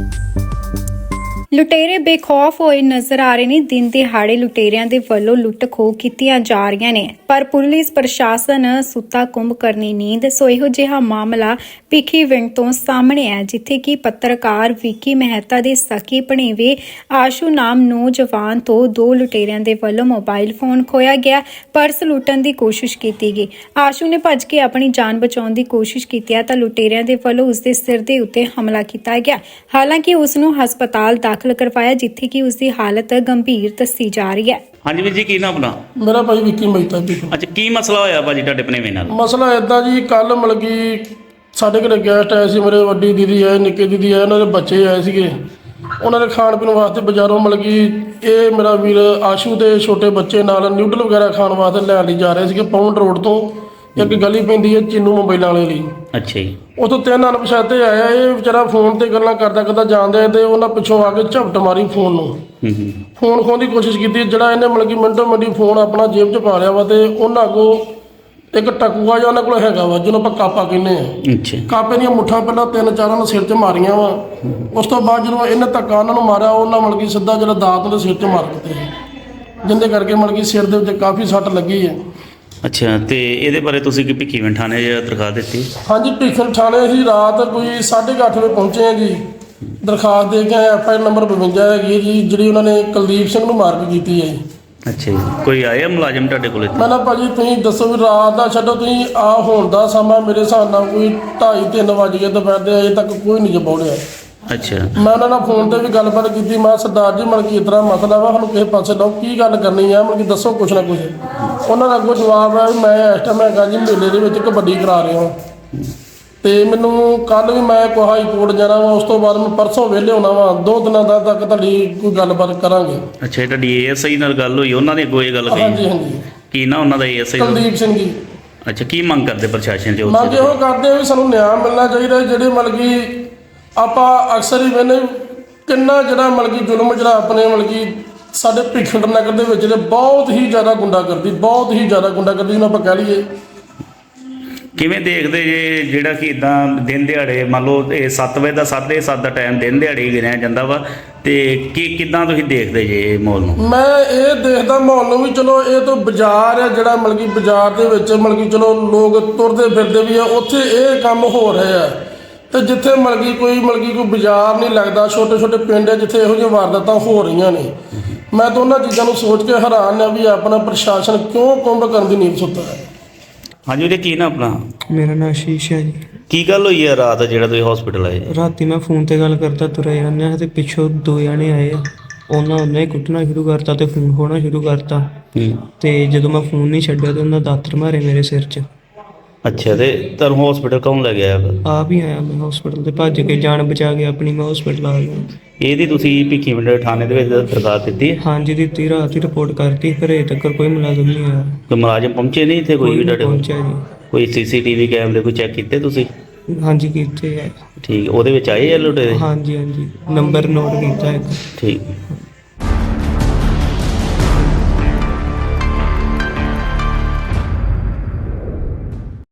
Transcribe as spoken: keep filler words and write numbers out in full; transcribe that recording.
ਲੁਟੇਰੇ ਬੇਖੌਫ ਹੋਏ ਨਜ਼ਰ ਆ ਰਹੇ ਨੇ। ਦਿਨ ਦਿਹਾੜੇ ਲੁਟੇਰਿਆਂ ਦੇ ਵੱਲੋਂ ਲੁੱਟ ਖੋਹ ਕੀਤੀਆਂ ਜਾ ਰਹੀਆਂ ਨੇ, ਪਰ ਪੁਲਿਸ ਪ੍ਰਸ਼ਾਸਨ ਸੁੱਤਾ ਕੁੰਭ ਕਰਨੀ ਨੀਂਦ। ਸੋ ਇਹੋ ਜਿਹਾ ਮਾਮਲਾ ਭਿੱਖੀਵਿੰਡ ਤੋਂ ਸਾਹਮਣੇ ਹੈ, ਜਿੱਥੇ ਕਿ ਪੱਤਰਕਾਰ ਵਿੱਕੀ ਮਹਿਤਾ ਦੇ ਸਕੀ ਭਣੇਵੇਂ ਆਸ਼ੂ ਨਾਮ ਨੌਜਵਾਨ ਤੋਂ ਦੋ ਲੁਟੇਰਿਆਂ ਦੇ ਵੱਲੋਂ ਮੋਬਾਈਲ ਫੋਨ ਖੋਇਆ ਗਿਆ। ਪਰਸ ਲੁੱਟਣ ਦੀ ਕੋਸ਼ਿਸ਼ ਕੀਤੀ ਗਈ। ਆਸ਼ੂ ਨੇ ਭੱਜ ਕੇ ਆਪਣੀ ਜਾਨ ਬਚਾਉਣ ਦੀ ਕੋਸ਼ਿਸ਼ ਕੀਤੀ ਤਾਂ ਲੁਟੇਰਿਆਂ ਦੇ ਵੱਲੋਂ ਉਸ ਦੇ ਸਿਰ ਦੇ ਉੱਤੇ ਹਮਲਾ ਕੀਤਾ ਗਿਆ। ਹਾਲਾਂਕਿ ਉਸ ਨੂੰ ਹਸਪਤਾਲ ਦਾਖਲ ਕਰਵਾਇਆ, ਜਿੱਥੇ ਕਿ ਉਸ ਦੀ ਹਾਲਤ ਗੰਭੀਰ ਦੱਸੀ ਜਾ ਰਹੀ ਹੈ। ਹਾਂਜੀ ਵੀਰ ਜੀ, ਕੀ ਨਾਮ ਆਪਣਾ? ਮੇਰਾ ਭਾਈ ਵਿੱਕੀ ਮਹਿਤਾ ਜੀ। ਅੱਛਾ, ਕੀ ਮਸਲਾ ਹੋਇਆ ਭਾਜੀ ਤੁਹਾਡੇ ਭਣੇਵੇਂ ਨਾਲ? ਮਸਲਾ ਇਦਾਂ ਜੀ, ਕੱਲ ਮਤਲਬ ਕਿ ਸਾਡੇ ਘਰੇ ਗੈਸਟ ਆਏ ਸੀ। ਮੇਰੇ ਵੱਡੀ ਦੀਦੀ ਆਏ, ਨਿੱਕੇ ਦੀਦੀ ਆਏ, ਉਹਨਾਂ ਦੇ ਬੱਚੇ ਆਏ ਸੀਗੇ। ਉਹਨਾਂ ਦੇ ਖਾਣ ਪੀਣ ਵਾਸਤੇ ਬਾਜ਼ਾਰੋਂ ਮਤਲਬ ਕਿ ਇਹ ਮੇਰਾ ਵੀਰ ਆਸ਼ੂ ਦੇ ਛੋਟੇ ਬੱਚੇ ਨਾਲ ਨਿਊਡਲ ਵਗੈਰਾ ਖਾਣ ਵਾਸਤੇ ਲੈਣ ਲਈ ਜਾ ਰਹੇ ਸੀਗੇ। ਪਾਉਂਡ ਰੋਡ ਤੋਂ ਇੱਕ ਗਲੀ ਪੈਂਦੀ ਹੈ ਚੀਨੂ ਮੋਬਾਈਲਾਂ ਵਾਲੇ ਲਈ। ਅੱਛਾ ਜੀ। ਉੱਥੋਂ ਤਿੰਨ ਅਣਪਛਾਤੇ ਆਇਆ। ਇਹ ਵਿਚਾਰਾ ਫੋਨ ਤੇ ਗੱਲਾਂ ਕਰਦਾ ਕਰਦਾ ਜਾਂਦੇ ਤੇ ਉਹਨਾਂ ਪਿੱਛੋਂ ਆ ਕੇ ਝਪਟ ਮਾਰੀ ਫੋਨ ਨੂੰ। ਫੋਨ ਖੋਹਣ ਦੀ ਕੋਸ਼ਿਸ਼ ਕੀਤੀ। ਜਿਹੜਾ ਇਹਨੇ ਮਤਲਬ ਕਿ ਮਿੰਟੋ ਮਿੰਟੀ ਫੋਨ ਆਪਣਾ ਜੇਬ 'ਚ ਪਾ ਲਿਆ ਵਾ, ਤੇ ਉਹਨਾਂ ਅੱਗੋਂ ਇੱਕ ਟਕੂਆ ਜਿਹਾ ਉਹਨਾਂ ਕੋਲ ਹੈਗਾ ਵਾ, ਜਿਹਨੂੰ ਆਪਾਂ ਕਾਪਾ ਕਹਿੰਦੇ ਆ। ਅੱਛਾ। ਕਾਪੇ ਦੀਆਂ ਮੁੱਠਾਂ ਪਹਿਲਾਂ ਤਿੰਨ ਚਾਰਾਂ ਨੂੰ ਸਿਰ 'ਚ ਮਾਰੀਆਂ ਵਾ। ਉਸ ਤੋਂ ਬਾਅਦ ਜਦੋਂ ਇਹਨੇ ਧੱਕਾ ਉਹਨਾਂ ਨੂੰ ਮਾਰਿਆ, ਉਹਨਾਂ ਮਤਲਬ ਕਿ ਸਿੱਧਾ ਜਿਹੜਾ ਦਾਤ ਉਹਦੇ ਸਿਰ 'ਚ ਮਾਰ ਦਿੱਤੇ, ਜਿਹਦੇ ਕਰਕੇ ਮਤਲਬ ਕਿ ਸਿਰ ਦੇ ਉੱਤੇ ਕਾਫੀ ਸੱਟ ਲੱਗੀ ਹੈ। ਅੱਛਾ, ਤੇ ਇਹਦੇ ਬਾਰੇ ਤੁਸੀਂ ਕੀ ਭਿੱਖੀਵਿੰਡ ਥਾਣੇ 'ਚ ਦਰਖਾਸਤ ਦਿੱਤੀ? ਹਾਂਜੀ, ਭਿੱਖੀਵਿੰਡ ਥਾਣੇ ਅਸੀਂ ਰਾਤ ਕੋਈ ਸਾਢੇ ਕੁ ਅੱਠ ਵਜੇ ਪਹੁੰਚੇ ਹਾਂ ਜੀ। ਦਰਖਾਸਤ ਦੇ ਕੇ ਐਫ ਆਈ ਆਰ ਨੰਬਰ ਬਵੰਜਾ ਹੈਗੀ ਹੈ ਜੀ, ਜਿਹੜੀ ਉਹਨਾਂ ਨੇ ਕੁਲਦੀਪ ਸਿੰਘ ਨੂੰ ਮਾਰ ਕੇ ਕੀਤੀ ਹੈ ਜੀ। ਅੱਛਾ ਜੀ। ਕੋਈ ਆਇਆ ਮੁਲਾਜ਼ਮ ਤੁਹਾਡੇ ਕੋਲ ਇੱਥੇ? ਮੈਂ ਨਾ ਭਾਜੀ ਤੁਸੀਂ ਦੱਸੋ ਵੀ ਰਾਤ ਦਾ ਛੱਡੋ, ਤੁਸੀਂ ਆ ਹੋਣ ਦਾ ਸਮਾਂ ਮੇਰੇ ਹਿਸਾਬ ਨਾਲ ਕੋਈ ਢਾਈ ਤਿੰਨ ਵੱਜ ਗਏ ਦੁਪਹਿਰ ਦੇ, ਅਜੇ ਤੱਕ ਕੋਈ ਨਹੀਂ ਜਪੌੜਿਆ। ਅੱਛਾ। ਮੈਂ ਉਹਨਾਂ ਨਾਲ ਫੋਨ ਤੇ ਵੀ ਗੱਲਬਾਤ ਕੀਤੀ। ਮੈਂ ਸਰਦਾਰ ਜੀ ਮਤਲਬ ਕਿ ਇਸ ਤਰ੍ਹਾਂ ਮਸਲਾ ਵਾ, ਸਾਨੂੰ ਕਿਸੇ ਪਾਸੇ ਲਓ, ਕੀ ਗੱਲ ਕਰਨੀ ਆ, ਮਤਲਬ ਕਿ ਦੱਸੋ ਕੁਛ ਨਾ ਕੁਛ। ਉਹਨਾਂ ਦਾ ਅੱਗੋਂ ਜਵਾਬ ਹੈ ਵੀ ਮੈਂ ਇਸ ਟਾਈਮ ਹੈਗਾ ਜੀ ਮੇਲੇ ਦੇ ਵਿੱਚ ਕਬੱਡੀ ਕਰਾ ਰਿਹਾ ਹਾਂ, ਤੇ ਮੈਨੂੰ ਕੱਲ੍ਹ ਵੀ ਮੈਂ ਕੋਈ ਹਾਈ ਕੋਰਟ ਜਾਣਾ ਵਾ, ਉਸ ਤੋਂ ਬਾਅਦ ਮੈਂ ਪਰਸੋਂ ਵਿਹਲੇ ਹੋਣਾ ਵਾ, ਦੋ ਦਿਨਾਂ ਦਾ ਤੱਕ ਤੁਹਾਡੀ ਕੋਈ ਗੱਲਬਾਤ ਕਰਾਂਗੇ। ਅੱਛਾ, ਤੁਹਾਡੀ ਏ ਐਸ ਆਈ ਨਾਲ ਗੱਲ ਹੋਈ? ਉਹਨਾਂ ਨੇ ਅੱਗੋਂ ਇਹ ਗੱਲ ਕਹੀ? ਹਾਂਜੀ ਹਾਂਜੀ। ਕੀ ਨਾ ਉਹਨਾਂ ਦਾ A S I? Kuldeep Singh ji. ਅੱਛਾ, ਕੀ ਮੰਗ ਕਰਦੇ ਪ੍ਰਸ਼ਾਸਨ 'ਚ? ਮੰਗ ਇਹੋ ਕਰਦੇ ਆ ਵੀ ਸਾਨੂੰ ਨਿਆਂ ਮਿਲਣਾ ਚਾਹੀਦਾ। ਜਿਹੜੇ ਮਤਲਬ ਕਿ ਆਪਾਂ ਅਕਸਰ ਹੀ ਵੇਖਦੇ ਕਿੰਨਾ ਜਿਹੜਾ ਮਤਲਬ ਕਿ ਜ਼ੁਲਮ ਜਿਹੜਾ ਆਪਣੇ ਮਤਲਬ ਕਿ ਸਾਡੇ ਭਿੱਖੀਵਿੰਡ ਨਗਰ ਦੇ ਵਿੱਚ ਜਿਹੜੇ ਬਹੁਤ ਹੀ ਜ਼ਿਆਦਾ ਗੁੰਡਾਗਰਦੀ ਬਹੁਤ ਹੀ ਜ਼ਿਆਦਾ ਗੁੰਡਾਗਰਦੀ ਜਿਹਨੂੰ ਆਪਾਂ ਕਹਿ ਲਈਏ। ਕਿਵੇਂ ਦੇਖਦੇ ਜੇ ਜਿਹੜਾ ਕਿ ਇਦਾਂ ਦਿਨ ਦਿਹਾੜੇ ਮੰਨ ਲਓ ਇਹ ਸੱਤ ਵਜੇ ਦਾ ਸਾਢੇ ਸੱਤ ਦਾ ਟਾਈਮ ਦਿਨ ਦਿਹਾੜੇ ਹੀ ਗਿਣਿਆ ਜਾਂਦਾ ਵਾ, ਤੇ ਕੀ ਕਿੱਦਾਂ ਤੁਸੀਂ ਦੇਖਦੇ ਜੇ ਇਹ ਮਾਹੌਲ ਨੂੰ? ਮੈਂ ਇਹ ਦੇਖਦਾ ਮਾਹੌਲ ਨੂੰ ਵੀ, ਚਲੋ ਇਹ ਤਾਂ ਬਾਜ਼ਾਰ ਹੈ ਜਿਹੜਾ ਮਤਲਬ ਕਿ ਬਾਜ਼ਾਰ ਦੇ ਵਿੱਚ ਮਤਲਬ ਕਿ ਚਲੋ ਲੋਕ ਤੁਰਦੇ ਫਿਰਦੇ ਵੀ ਆ, ਉੱਥੇ ਇਹ ਕੰਮ ਹੋ ਰਹੇ ਆ। ਤੇ ਜਿੱਥੇ ਮਤਲਬ ਕਿ ਕੋਈ ਮਤਲਬ ਕਿ ਕੋਈ ਬਾਜ਼ਾਰ ਨਹੀਂ ਲੱਗਦਾ, ਛੋਟੇ ਛੋਟੇ ਪਿੰਡ ਹੈ ਜਿੱਥੇ ਇਹੋ ਜਿਹੀਆਂ ਵਾਰਦਾਤਾਂ ਹੋ ਰਹੀਆਂ ਨੇ। ਮੈਂ ਤਾਂ ਉਹਨਾਂ ਚੀਜ਼ਾਂ ਨੂੰ ਸੋਚ ਕੇ ਹੈਰਾਨ ਹਾਂ ਵੀ ਆਪਣਾ ਪ੍ਰਸ਼ਾਸਨ ਕਿਉਂ ਕੁੰਭ ਕਰਨ ਦੀ ਨੀਂਦ ਸੁੱਤਾ ਹੈ। ਹਾਂਜੀ ਵੀਰੇ, ਕੀ ਨਾ ਆਪਣਾ? ਮੇਰਾ ਨਾਮ ਆਸ਼ੀਸ਼ ਹੈ ਜੀ। ਕੀ ਗੱਲ ਹੋਈ ਹੈ ਰਾਤ ਜਿਹੜਾ ਤੁਸੀਂ ਹਸਪੀਟਲ ਆਏ? ਰਾਤੀ ਮੈਂ ਫੋਨ ਤੇ ਗੱਲ ਕਰਦਾ ਤੁਰਿਆ ਜਾਂਦਾ ਤੇ ਪਿੱਛੋਂ ਦੋ ਜਣੇ ਆਏ ਆ। ਉਹਨਾਂ ਉਹਨੇ ਕੁੱਟਣਾ ਸ਼ੁਰੂ ਕਰਤਾ ਤੇ ਫੋਨ ਖੋਣਾ ਸ਼ੁਰੂ ਕਰਤਾ। ਤੇ ਜਦੋਂ ਮੈਂ ਫੋਨ ਨਹੀਂ ਛੱਡਿਆ ਤੇ ਉਹਨਾਂ ਦਾਤਰ ਮਾਰੇ ਮੇਰੇ ਸਿਰ 'ਚ। ਅੱਛਾ, ਤੇ ਤੁਹਾਨੂੰ ਹਸਪੀਟਲ ਕੌਣ ਲੈ ਗਿਆ? ਆਪ ਹੀ ਆਇਆ ਮੈਂ ਹਸਪੀਟਲ ਤੇ, ਭੱਜ ਕੇ ਜਾਨ ਬਚਾ ਕੇ ਆਪਣੀ ਮੈਂ ਹਸਪੀਟਲ ਆ ਗਿਆ। ਇਹਦੀ ਤੁਸੀਂ ਭਿੱਖੀਵਿੰਡ ਥਾਣੇ ਦੇ ਵਿੱਚ ਦਰਖਾਸਤ ਦਿੱਤੀ ਹੈ? ਹਾਂਜੀ ਦਿੱਤੀ, ਰਾਤ ਹੀ ਰਿਪੋਰਟ ਕਰਤੀ, ਫਿਰ ਅਜੇ ਤੱਕ ਕੋਈ ਮੁਲਾਜ਼ਮ ਨਹੀਂ ਆਇਆ। ਕੋਈ ਮੁਲਾਜ਼ਮ ਪਹੁੰਚੇ ਨਹੀਂ ਇੱਥੇ? ਕੋਈ ਵੀ ਤੁਹਾਡੇ ਪਹੁੰਚਿਆ ਜੀ? ਕੋਈ ਸੀ ਸੀ ਟੀ ਵੀ ਕੈਮਰੇ ਕੋਈ ਚੈੱਕ ਕੀਤੇ ਤੁਸੀਂ? ਹਾਂਜੀ ਕੀਤੇ ਆ। ਠੀਕ, ਉਹਦੇ ਵਿੱਚ ਆਏ ਆ ਲੁਟੇਰੇ? ਹਾਂਜੀ ਹਾਂਜੀ, ਨੰਬਰ ਨੋਟ ਕੀਤਾ ਇੱਕ। ਠੀਕ।